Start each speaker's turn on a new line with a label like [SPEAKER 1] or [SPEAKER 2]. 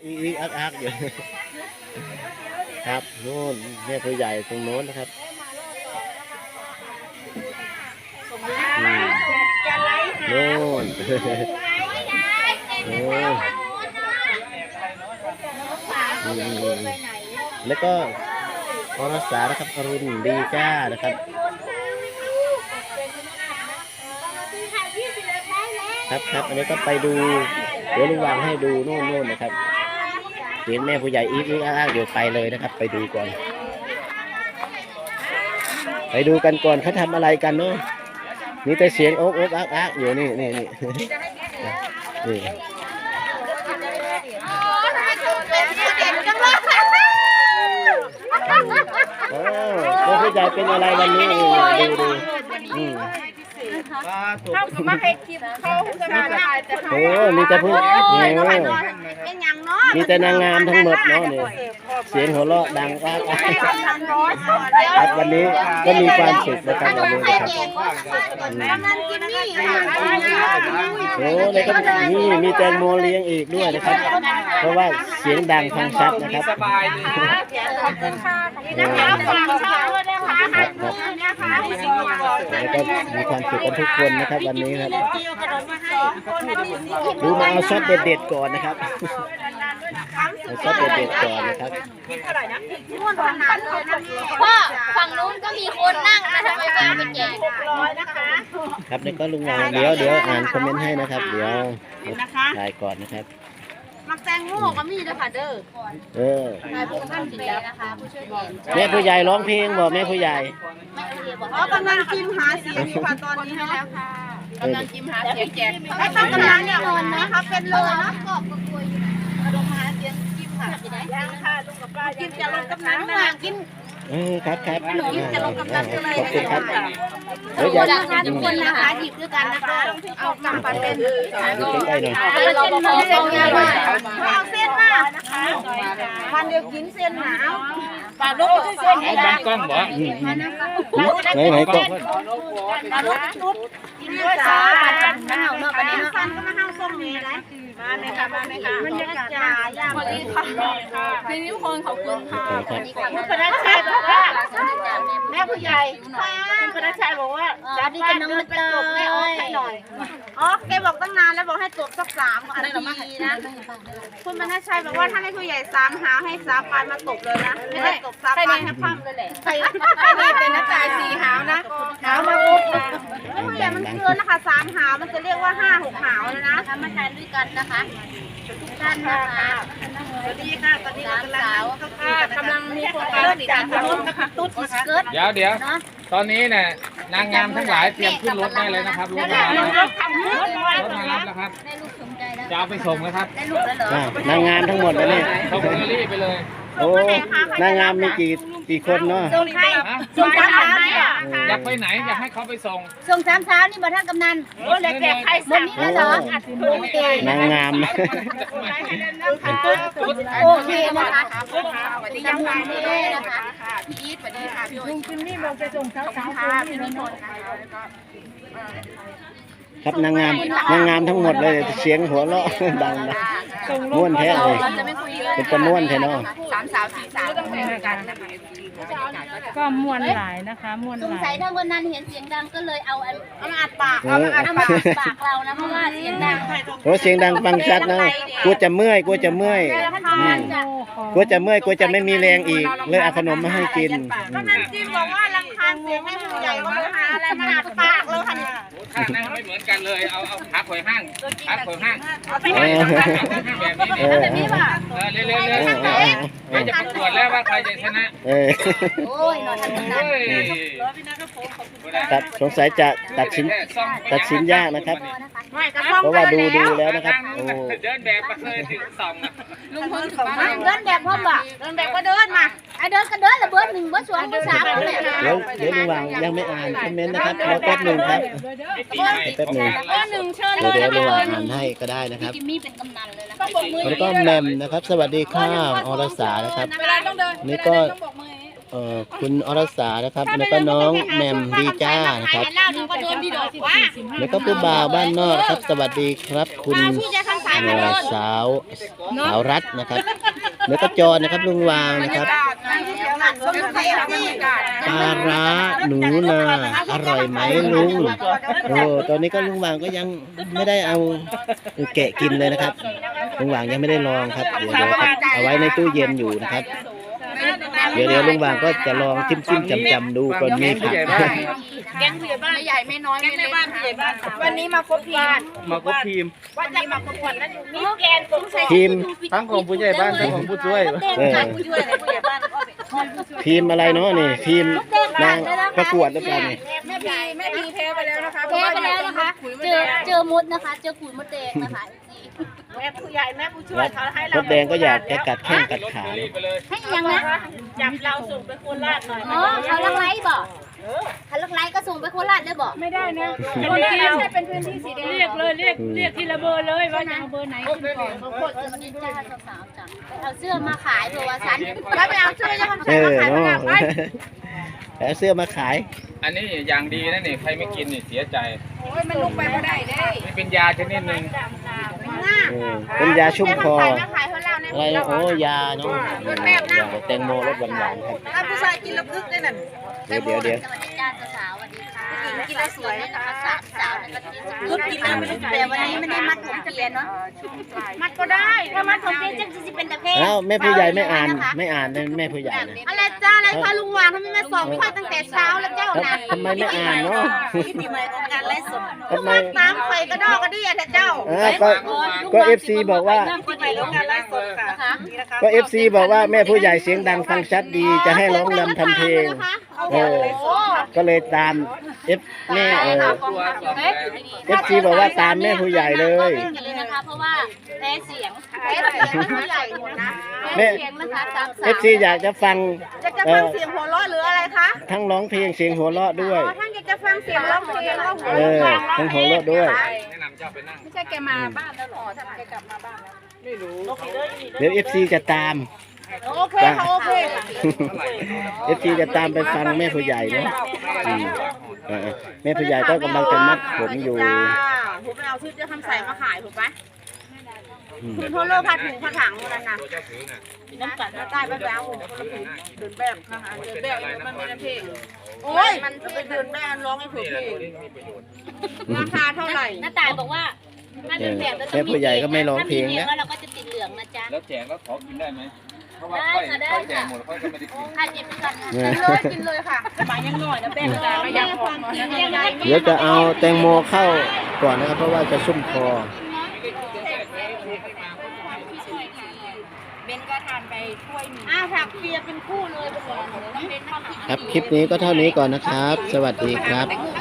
[SPEAKER 1] อีอักอยู่ครับโน่นแม่ผู้ใหญ่ตรงโน้นนะครับโน่นโอ้แล้วก็อรสานะครับอรุณดีจ้านะครับครับอันนี้ก็ไปดูเดี๋ยวลุงวางให้ดูโน่นนะครับเห็นแม่ผู้ใหญ่อีกเดี๋ยวไปเลยนะครับไปดูก่อนไปดูกันก่อนเขาทำอะไรกันเนาะมีแต่เสียงโอ๊กอักอยู่นี่โอ้แม่ผู้ใหญ่เป็นอะไรวันนี้ดู
[SPEAKER 2] เข้ามาให้คลิปเขาจะมาได้แต่เขา
[SPEAKER 1] โอ้มีแต่ผู้
[SPEAKER 2] เป็นอย่างน้อย
[SPEAKER 1] มีแต่นางงามทั้งหมดเนาะเนี่ยเสียงหัวเราะดังอักครับวันนี้ก็มีความสุขนะครับวันนี้นะครับโอ้เลยก็นี่มีแตงโมเลี้ยงอีกด้วยนะครับเพราะว่าเสียงดังฟังชัดนะครับ
[SPEAKER 2] สบายดีขอบคุณค่ะ
[SPEAKER 1] แล้วก็มีความสุขกันทุกคนนะครับวันนี้ครับดูมาเอาช็อตเด็ดๆก่อนนะครับเอาช็อตเด็ดๆก่อนนะครับ
[SPEAKER 3] พ่อฝั่งนู้นก็มีคนนั่งนะทำไมไม่เอาไปแจก
[SPEAKER 1] ครับนี่ก็ลุงวางเดี๋ยวอ่านคอมเมนต์ให้นะครับเดี๋ยวถ่ายก่อนนะครับ
[SPEAKER 2] มักแตงโมก็มีด้วยค่ะเด้อ
[SPEAKER 3] นายผู้ท่านสีแดงนะคะผู้ช่วย
[SPEAKER 1] แม่ผู้ใหญ่ร้องเพลงบอกแม่ผู้ใหญ่
[SPEAKER 2] กำลังกินหาเสียงค่ะตอนนี้ให้แล้วค่ะกำลังกินหาเสียงแจกให้กำลังเนี่ยคนนะคะเป็นเลยนะกอบกระปุยลงมาเสียงกินค่ะยังค่ะลุงกับป้ากินจะลงกำลังนะกิน
[SPEAKER 1] ครับ
[SPEAKER 2] หนูจะลงกำลังเลย
[SPEAKER 1] ขอบคุณครับ
[SPEAKER 2] เดี๋ยวอยากทุกคนนะคะหยิบด้วยกันนะคะเอากำปั้นเป็น
[SPEAKER 1] ได้หน่อย
[SPEAKER 2] เราบอกเอาเส้นมาเอาเส้นมานะคะวันเดียวกินเส้นหนาวปลาลูกเส้น
[SPEAKER 4] เอาบางกล้องบ่
[SPEAKER 1] ไหนก็
[SPEAKER 2] ปลาลูกชุดกินด้วยจ้าน้าวเนาะประเดี๋ยวฟันก็มาห้าวส้มนี่นะมาเลยค่ะมันจะกระจายย่างเลยค่ะพี่นิ้วคนขอบคุณค่ะคุณพนักชัยบอกว่าแม่ผู้ใหญ่คุณพนักชัยบอกว่าจะดีจะน้องมาจบแม่อ้อยให้หน่อยอ๋อแกบอกตั้งนานแล้วบอกให้จบสัก3 อันทีนะคุณพนักชัยบอกว่าถ้าให้ผู้ใหญ่3 หาให้3 ปลายมาตกเลยนะไม่ได้ตก3 ปลายให้พังเลยแหละใครนี่เป็นนักจ่าย4 หาวนะหาวมาปุ๊บแม่ผู้ใหญ่มันเกินนะคะ3 หาวมันจะเรียกว่า5 6 หาวแล้วนะ
[SPEAKER 3] มาทานด้วยกันนะคะทุกท่านนะคะ
[SPEAKER 2] สวัสดีค่ะตอนนี้กำลังมีโครงการจากรุ่นตุ๊ดเกิด
[SPEAKER 4] เดี๋ยวตอนนี้เนี่ยนางงามทั้งหลายเตรียมขึ้นรถได้เลยนะครับรถมารับแล้วครับ
[SPEAKER 3] ได้ลูกสมใจแล้ว
[SPEAKER 4] จะเอาไปส่งนะครับ
[SPEAKER 3] ได้ลูกแล้วเหร
[SPEAKER 1] อนางงามทั้งหมดเลยนี่
[SPEAKER 4] ส่งเดลี่ไปเลย
[SPEAKER 1] โอ้นางงามมีกี่คนเนาะ
[SPEAKER 2] ส่งใครส่ง3 เช้า
[SPEAKER 4] อยากไปไหนอยากให้เขาไปส่ง
[SPEAKER 3] ส่ง3 เช้านี่บ่ท่านกำนัน
[SPEAKER 2] โอ้เล็กๆใครสั่ง
[SPEAKER 3] นี่แล้วเหร
[SPEAKER 1] อนางงาม
[SPEAKER 3] โอเคนะคะยังไงนะคะ
[SPEAKER 2] พี่อีทสวัสดีค่ะพี่ลุงจิมมี่บอกจะส่งเช้าพี่นิพนธ์
[SPEAKER 1] ครับนางงามทั้งหมดเลยเสียงหัวเราะดังนะม้วนแท้เลยเป็นตะม้วนแท้เนาะ
[SPEAKER 2] 3 สาว 4 สาวต้องเป็นกันนะคะ
[SPEAKER 5] ก็มวนหลายนะคะมวนหลาย
[SPEAKER 3] สงสัยถ้าวันนั้นเห็นเสียงดังก็เลยเอา
[SPEAKER 2] มาอัดปาก
[SPEAKER 3] เอามาอัดปากเรานะเพราะว่าเสียงดัง
[SPEAKER 1] โอ้เสียงดังฟังชัดนะกลัวจะเมื่อยกลัวจะไม่มีแรงอีกเลยเอาขนมมาให้กิน
[SPEAKER 2] ก็นั่นจริงบอกว่ารำคาญเสียงให้ผู้ใหญ่ว่าหาอะไรมาอัดปากเลยค่ะเนี่ย
[SPEAKER 4] ข้างนั่งไม่เหมือนกันเลยเอาขาข่อยห้างแบบนี้
[SPEAKER 2] แบบนี้ป่ะ
[SPEAKER 4] เร็วไม่จะประกวดแล้วว่าใครจะชนะ
[SPEAKER 3] โอ้ยนอนทันทัน
[SPEAKER 1] ครับสงสัยจะตัดสินยากนะครับเพราะว่าดูแล้วนะครับโอ้
[SPEAKER 4] เดินแบบมาเลยถึง2
[SPEAKER 2] ลุงพลเดินแบบพ่อบ่เดินแบบก็เดินมา
[SPEAKER 3] เดินกันเดินละเบอร์ 1 เบอร์ 2 เบอร์ 3เลย
[SPEAKER 1] เดี๋ยวระหว่างยังไม่อ่านคอมเมนต์นะครับรอแป๊บหนึ่งครับแป๊บหนึ่งเดี๋ยวระหว่างอ่านให้ก็ได้นะครับ
[SPEAKER 3] จิมมี่เป็นกำนันเลยนะ
[SPEAKER 1] แล้วก็แมมนะครับสวัสดีค่ะอรสานะครับนี่ก็คุณอรสานะครับแล้วก็น้องแมมดีจ้านะครับแล้วก็ผู้บ่าวบ้านนอกครับสวัสดีครับคุณสาวรัฐนะครับแล้วก็จอนะครับลุงวางนะครับปลาร้าหนูนาอร่อยไหมลุงโอ้ตอนนี้ก็ลุงวางก็ยังไม่ได้เอาแกะกินเลยนะครับลุงวางยังไม่ได้ลองครับเดี๋ยวครับเอาไว้ในตู้เย็นอยู่นะครับเดี๋ยวลุงวางก็จะลองจิ้มจำดูก่อนมีผัก
[SPEAKER 2] แกงผู้ใหญ่บ้านใหญ่ไม่น้อยไม่เล็กวันนี้มาครบทีม
[SPEAKER 4] มาก็ทีม
[SPEAKER 2] วันนี้มาครบวันนั้นมีแกนกุ้งใส่
[SPEAKER 1] ทีม
[SPEAKER 4] ทั้งของผู้ใหญ่บ้านทั้งของผู้ช่วย
[SPEAKER 2] ผู้ช่วยในผู้ใหญ่บ้าน
[SPEAKER 1] ทีมอะไรเนาะนี่ทีมนางประกวดหรือเปล่านี่
[SPEAKER 2] แม่พีแพ้ไปแล้วนะคะ
[SPEAKER 3] แพ้ไปแล้วนะคะ เจอมดนะคะ เจอขุยมดแดงนะคะ
[SPEAKER 2] แม่ผู้ใหญ่แม่ผู้ช่วยเขาให้
[SPEAKER 1] ม
[SPEAKER 2] เรา
[SPEAKER 1] ดแดงก็อยากจะกัดแข้งกัดขา
[SPEAKER 3] ให้ยังนะ
[SPEAKER 2] จับเราส่งไปโคราชหน่อย
[SPEAKER 3] อ๋อเขาลักไล่บอกเขาลักไล่ก็ส่งไปโคราชได้บอก
[SPEAKER 5] ไม่ได้นะคนที่เป็นพื้นที่สีแดงเรียกเลยเรียกทีละเบอร์เลยว่าจะเอาเบอร์ไหนขึ้นก่อน
[SPEAKER 3] บางคนจะมาดิจ้าสาวๆจังเอาเสื้อมาขายเผื่อว่าสัน
[SPEAKER 2] แล้วไปเอาช่วยจะทำ
[SPEAKER 1] เอ
[SPEAKER 2] ใส่
[SPEAKER 1] อ
[SPEAKER 2] มาขาย
[SPEAKER 1] เนาะ
[SPEAKER 2] มาขาย
[SPEAKER 1] แล้วเสื้อมาขาย
[SPEAKER 4] อันนี้อย่างดีนะนี่ใครไม่กินนี่เสียใจ
[SPEAKER 2] โอ้ยมันลุกไปไม่ได้เด้
[SPEAKER 4] นี่เป็นยาชนิดหนึ่ง
[SPEAKER 1] เป็นยาชุ่มคอ
[SPEAKER 2] ขายมาขายเขาเล่าใน
[SPEAKER 1] อะไรนะโอ้ยาเนาะแตงโมรสหวานๆครับ
[SPEAKER 2] ถ้าผู้ชายกินแล้วพึกได้นั่น
[SPEAKER 1] เดี๋ยว
[SPEAKER 3] สวัสดีจ้าสาวสวัสดีค่ะกินแล้วสวยนะคะสาวในกะทิ
[SPEAKER 2] พึกกินแล้วไม่ได้
[SPEAKER 3] แต่วันนี้ไม่ได้มัดผมเปลี่ยนเนาะ
[SPEAKER 2] มัดก็ได้
[SPEAKER 3] ถ้ามัดผมเปลี่ยนจังจะเป็นตะเพ
[SPEAKER 1] แล้วแม่ผู้ใหญ่ไม่อ่านนะแม่ผู้ใหญ่นะ
[SPEAKER 2] อะไรจ้าอะไรคะลุงวางทำไมมาส่งค่อยตั้งแต่เช้าแล้วเจ้านะ
[SPEAKER 1] ทำไมไม่อ่านเนาะ
[SPEAKER 2] ที่ปีใหม่ของการไล่สด
[SPEAKER 1] ทำไม
[SPEAKER 2] น้ำไฟกระดอกกระเดี่ยแต่เจ้า
[SPEAKER 1] ก็ FC บอกว่า
[SPEAKER 2] ปีใหม่ของการไล่สดค่ะนี่นะคะ
[SPEAKER 1] ก็ FC บอกว่าแม่ผู้ใหญ่เสียงดังฟังชัดดีจะให้ร้องรำทำเพลงก็เลยตามแม่FC บอกว่าตามแม่ผู้ใหญ่เลย
[SPEAKER 3] เลยนะคะเพราะว่าแพ้เสียง
[SPEAKER 2] ไอ้เสียงผู้ใหญ่หมดนะ
[SPEAKER 1] แม่
[SPEAKER 3] เสียงนะคะสามสาว
[SPEAKER 1] FC อยากจะฟัง
[SPEAKER 2] จะฟังเสียงหัวเราะหรืออะไรคะ
[SPEAKER 1] ทั้งร้องเพลงเสียงหัวเราะด้วย
[SPEAKER 2] ท่านอยากจะฟังเสียงร้องเพลงร้องหัว
[SPEAKER 1] เออทั้งหัวเราะด้วย
[SPEAKER 4] แนะนำเจ้าไปนั่ง
[SPEAKER 2] ไม่ใช่แกมาบ้านแล้วหรอท่านแกกลับมาบ้านแล้ว
[SPEAKER 1] เดี๋ยว FC จะตาม
[SPEAKER 2] โอเคค่ะโอเค
[SPEAKER 1] FC จะตามไปฟังแม่ผู้ใหญ่เนาะแม่ผู้ใหญ่ก็กำลังจะมัดผมอยู่
[SPEAKER 2] จ้าผมไปเอาชุดจะทำใส่มาขายถูกไหมคุณโทรโลผ้าถุงผ้าถังนั่นน่ะน้ำกัดน้ำใต้ไปแล้วผมคนละถุงเดินแบบค่ะเดินแบบมันไม่ได้เพลงโอ้ยมันจะไปเดินแบบร้องให้ถูกเพลงราคาเท่าไหร่
[SPEAKER 3] น้าตายบอกว่าถ้าเป็นแบบ
[SPEAKER 1] แม่ผู้ใหญ่ก็ไม่ร้องเพลงนะ
[SPEAKER 3] แล้วเราก็จะติดเหลืองนะจ๊ะ
[SPEAKER 4] แล้วแจกแล้วขอกินได้ไหมเพราะว่าค่อยแจกหมดค่อยก็ไม่ได้กิน
[SPEAKER 3] ถ้าเจ็บเป็นกัน
[SPEAKER 2] กินเลยค่ะหมายังหน่อยนะแป้งแต่ไม่ยังพอยังไง
[SPEAKER 1] เดี๋ยวจะเอาแตงโมเข้าก่อนนะครับ เพราะว่าจะชุ่มคอ
[SPEAKER 2] เบนก็ทานไปถ้วยนึงอ้าวผักเปียเป็นคู่เลยเป็นหมดเลย
[SPEAKER 1] ครับคลิปนี้ก็เท่านี้ก่อนนะครับ สวัสดีครับ
[SPEAKER 2] แต่